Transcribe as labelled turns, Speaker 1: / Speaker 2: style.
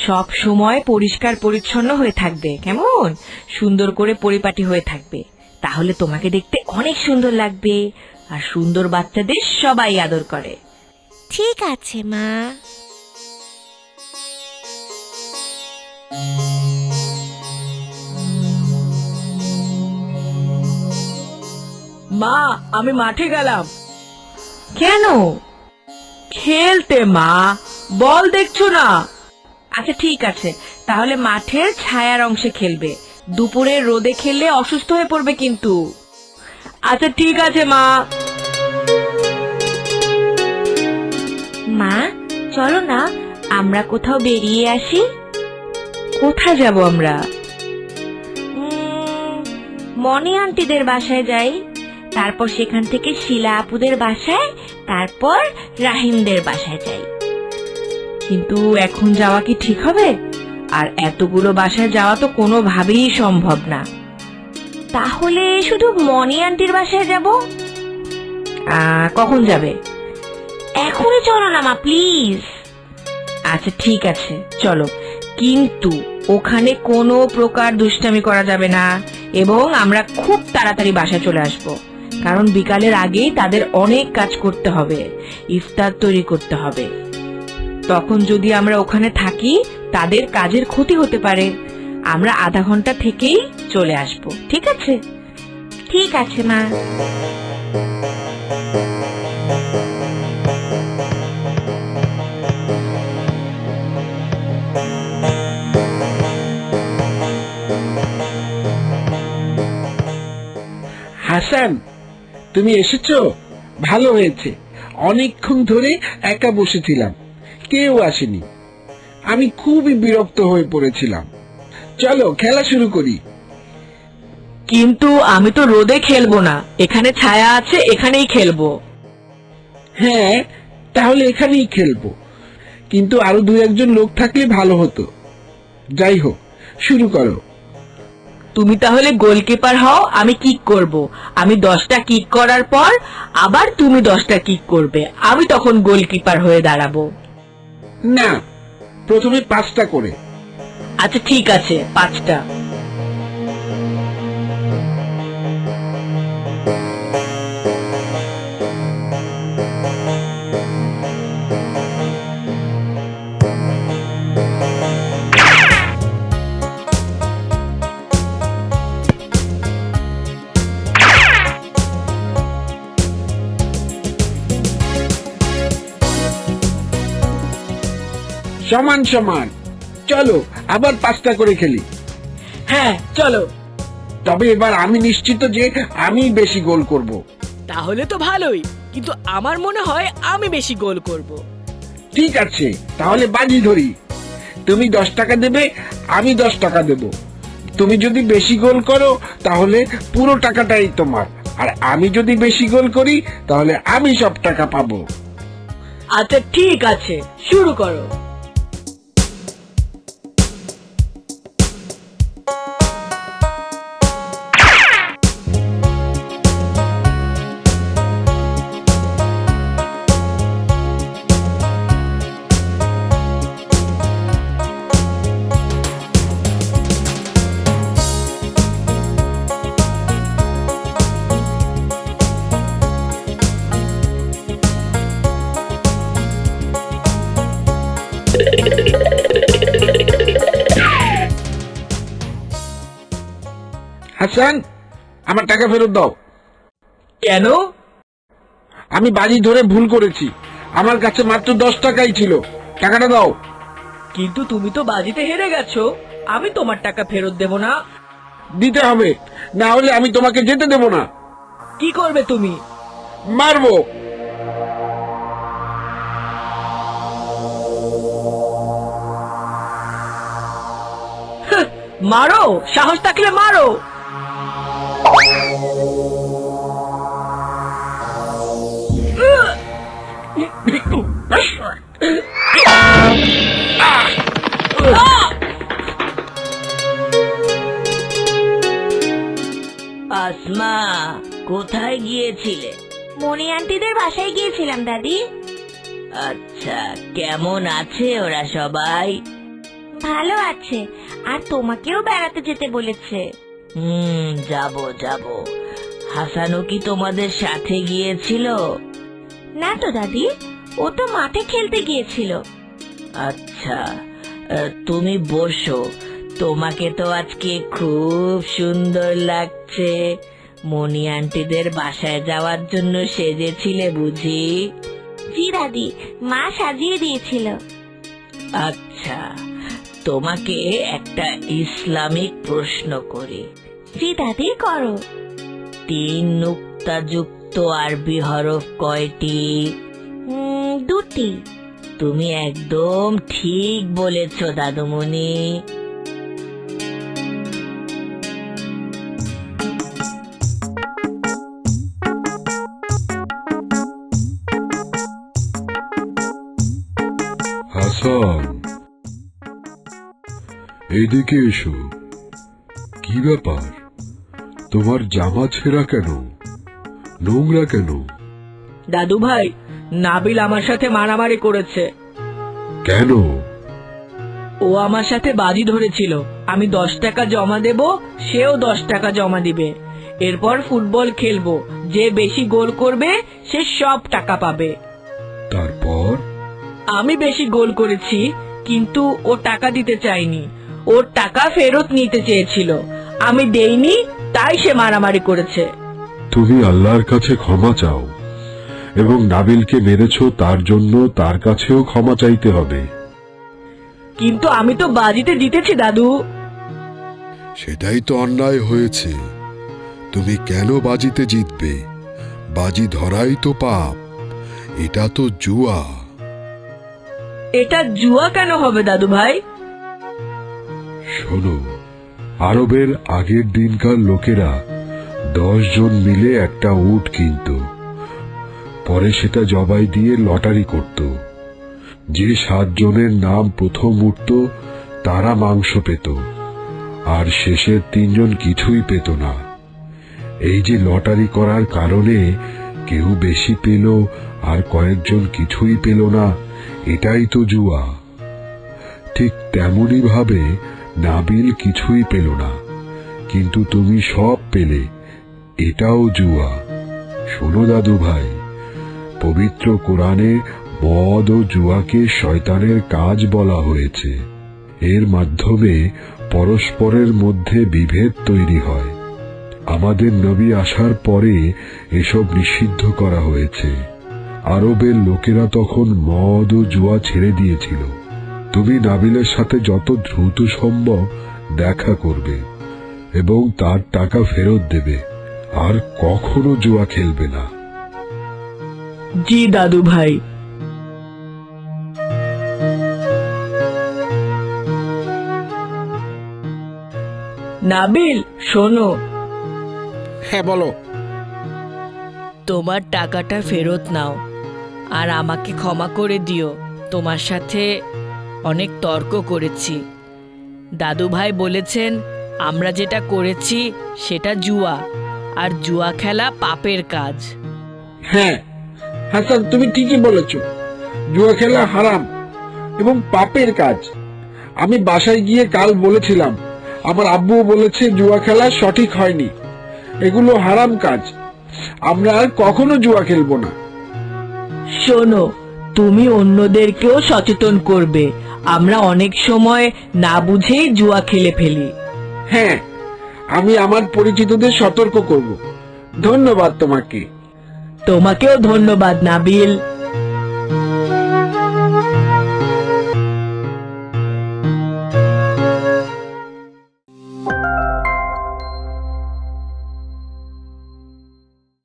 Speaker 1: সব সময় পরিষ্কার পরিচ্ছন্ন হয়ে থাকবে, কেমন? সুন্দর করে পরিপাটি হয়ে থাকবে, তাহলে তোমাকে দেখতে অনেক সুন্দর লাগবে। আর সুন্দর বাচ্চাদের সবাই আদর করে।
Speaker 2: ঠিক আছে মা।
Speaker 1: মা, আমি মাঠে গেলাম। কেন? খেলতে মা, বল দেখছো না? আচ্ছা ঠিক আছে, তাহলে মাঠের ছায়ার অংশে খেলবে। দুপুরে রোদে খেললে অসুস্থ হয়ে পড়বে কিন্তু। আচ্ছা ঠিক আছে মা।
Speaker 2: মা চলো না, আমরা কোথাও বেরিয়ে আসি।
Speaker 1: কোথায় যাব আমরা?
Speaker 2: মনি আন্টিদের বাসায় যাই, তারপর সেখান থেকে শিলা আপুদের বাসায়, তারপর রাহিমদের বাসায় যাই।
Speaker 1: কিন্তু এখন যাওয়া কি ঠিক হবে? আর এতগুলো বাসায় যাওয়া তো কোনোভাবেই সম্ভব না।
Speaker 2: তাহলে শুধু মনি আন্টির বাসায় যাব।
Speaker 1: কখন যাবে?
Speaker 2: এখনই চলো না মা, প্লিজ।
Speaker 1: আচ্ছা ঠিক আছে চলো, কিন্তু ওখানে কোনো প্রকার দুষ্টামি করা যাবে না, এবং আমরা খুব তাড়াতাড়ি বাসায় চলে আসব, কারণ বিকালের আগেই তাদের অনেক কাজ করতে হবে, ইফতার তৈরি করতে হবে। তখন যদি আমরা ওখানে থাকি তাদের কাজের ক্ষতি হতে পারে। আমরা আধা ঘন্টা থেকেই চলে আসব, ঠিক আছে?
Speaker 2: ঠিক আছে মা।
Speaker 3: হাসান, তুমি এসেছো? ভালো হয়েছে, অনেকক্ষণ ধরে একা বসেছিলাম, কেউ আসেনি। আমি খুবই বিরক্ত হয়ে পড়েছিলাম। চলো খেলা শুরু করি।
Speaker 1: কিন্তু আমি তো রোদে খেলবো না, এখানে ছায়া আছে, এখানেই খেলবো।
Speaker 3: হ্যাঁ, তাহলে এখানেই খেলবো, কিন্তু আরো দু একজন লোক থাকলে ভালো হতো। যাই হোক, শুরু করো।
Speaker 1: তুমি তাহলে গোলকিপার হও, আমি কিক করব। আমি 10টা কিক করার পর আবার তুমি 10টা কিক করবে, আমি তখন গোলকিপার হয়ে দাঁড়াবো।
Speaker 3: না, প্রথমে 5টা করে।
Speaker 1: আচ্ছা ঠিক আছে, 5টা।
Speaker 3: সমান সমান। চলো আবার 5টা করে খেলি।
Speaker 1: হ্যাঁ চলো।
Speaker 3: তবে এবার আমি নিশ্চিত যে আমি বেশি গোল করব।
Speaker 1: তাহলে তো ভালোই, কিন্তু আমার মনে হয় আমি বেশি গোল করব।
Speaker 3: ঠিক আছে, তাহলে বাজি ধরি। তুমি 10 টাকা দেবে, আমি 10 টাকা দেব। তুমি যদি বেশি গোল করো তাহলে পুরো টাকাটাই তোমার, আর আমি যদি বেশি গোল করি তাহলে আমি সব টাকা পাবো।
Speaker 1: আচ্ছা ঠিক আছে, শুরু করো।
Speaker 3: হাসান, আমার টাকা ফেরত দাও।
Speaker 1: কেন?
Speaker 3: আমি বাজি ধরে ভুল করেছি, আমার কাছে মাত্র 10 টাকাই ছিল, টাকাটা দাও।
Speaker 1: কিন্তু তুমি তো বাজিতে হেরে গেছো, আমি তোমার টাকা ফেরত দেব না।
Speaker 3: দিতে হবে, না হলে আমি তোমাকে যেতে দেব না।
Speaker 1: কি করবে তুমি?
Speaker 3: মারবো।
Speaker 1: মারো, সাহস থাকলে মারো। আসমা, কোথায় গিয়েছিলে?
Speaker 2: মনি আন্টিদের বাসায় গিয়েছিলাম দাদি।
Speaker 1: আচ্ছা, কেমন আছে ওরা সবাই?
Speaker 2: ভালো আছে, আর তোমাকেও বেড়াতে যেতে বলেছে।
Speaker 1: যাব যাব। হাসানও কি তোমাদের সাথে গিয়েছিল?
Speaker 2: না তো দাদি, ও তো মাঠে খেলতে গিয়েছিল।
Speaker 1: আচ্ছা, তুমি বসো। তোমাকে তো আজকে খুব সুন্দর লাগছে। মনি আন্টিদের বাসায় যাওয়ার জন্য সেজেছিলে বুঝি?
Speaker 2: জি দাদি, মা সাজিয়ে দিয়েছিল।
Speaker 1: আচ্ছা, তোমাকে একটা ইসলামিক প্রশ্ন করি।
Speaker 2: জি দাদি, করো।
Speaker 1: 3 নুক্তাযুক্ত আরবি হরফ কয়টি?
Speaker 2: 2টি।
Speaker 1: তুমি একদম ঠিক বলেছ দাদুমণি।
Speaker 4: হাসান, এইদিকে এসো। কি ব্যাপার, তোমার জামা ছেঁড়া কেন, নোংরা কেন?
Speaker 1: দাদু ভাই, নাবিল আমার সাথে মারামারি করেছে।
Speaker 4: কেন?
Speaker 1: ও আমার সাথে বাজি ধরেছিল, আমি 10 টাকা জমা দেব, সেও 10 টাকা জমা দিবে। এরপর ফুটবল খেলবো, যে বেশি গোল করবে সে সব টাকা পাবে।
Speaker 4: তারপর?
Speaker 1: আমি বেশি গোল করেছি, কিন্তু ও টাকা দিতে চায়নি। ওর টাকা ফেরত নিতে চেয়েছিল, আমি দেইনি, তাই সে মারামারি করেছে।
Speaker 4: তুমি আল্লাহর কাছে ক্ষমা চাও, এবং নাবিলকে মেরেছ তার জন্য তার কাছেও ক্ষমা চাইতে হবে।
Speaker 1: কিন্তু আমি তো বাজিতে জিতেছি দাদু।
Speaker 4: সেটাই তো অন্যায় হয়েছে। তুমি কেন বাজিতে জিতবে? বাজি ধরাই তো পাপ, এটা তো জুয়া।
Speaker 1: এটা জুয়া কেন হবে দাদু ভাই?
Speaker 4: শোনো, আরবের আগের দিনকার লোকেরা 10 জন মিলে একটা উট কিনত, পরে সেটা জবাই দিয়ে লটারি করত। যে 7 জনের নাম প্রথম উঠত তারা মাংস পেত, আর শেষের 3 জন কিছুই পেত না। এই যে লটারি করার কারণে কেউ বেশি পেল আর কয়েকজন কিছুই পেল না, এটাই তো জুয়া। ঠিক তেমনি ভাবে নাবিল কিছুই পেল না, কিন্তু তুমি সব পেলে, এটাও জুয়া। শোনো দাদু ভাই, পবিত্র কোরআনে মদ ও জুয়াকে শয়তানের কাজ বলা হয়েছে। এর মাধ্যমে পরস্পরের মধ্যে বিভেদ তৈরি হয়। আমাদের নবী আসার পরে এসব নিষিদ্ধ করা হয়েছে। আরবের লোকেরা তখন মদ ও জুয়া ছেড়ে দিয়েছিল। তুমি নাবিলের সাথে যত দ্রুত সম্ভব দেখা করবে এবং তার টাকা ফেরত দেবে, আর কখনো জুয়া খেলবে না।
Speaker 1: জি দাদু ভাই। নাবিল, শোনো।
Speaker 3: হ্যাঁ বলো।
Speaker 1: তোমার টাকাটা ফেরত নাও, আর আমাকে ক্ষমা করে দিও। তোমার সাথে অনেক তর্ক করেছি। দাদু ভাই বলেছেন আমরা যেটা করেছি সেটা জুয়া, আর জুয়া খেলা পাপের কাজ।
Speaker 3: হ্যাঁ হাসান, তুমি ঠিকই বলেছ, জুয়া খেলা হারাম এবং পাপের কাজ। আমি বাসায় গিয়ে কাল বলেছিলাম, আমার আব্বুও বলেছে জুয়া খেলা সঠিক হয়নি, এগুলো হারাম কাজ, আমরা আর কখনো জুয়া খেলবো না।
Speaker 1: শোনো, তুমি অন্যদেরকেও সচেতন করবে। আমরা অনেক সময় না বুঝেই জুয়া খেলে ফেলি।
Speaker 3: হ্যাঁ, আমি আমার পরিচিতদের সতর্ক করব। ধন্যবাদ তোমাকে।
Speaker 1: তোমাকেও ধন্যবাদ নাবিল।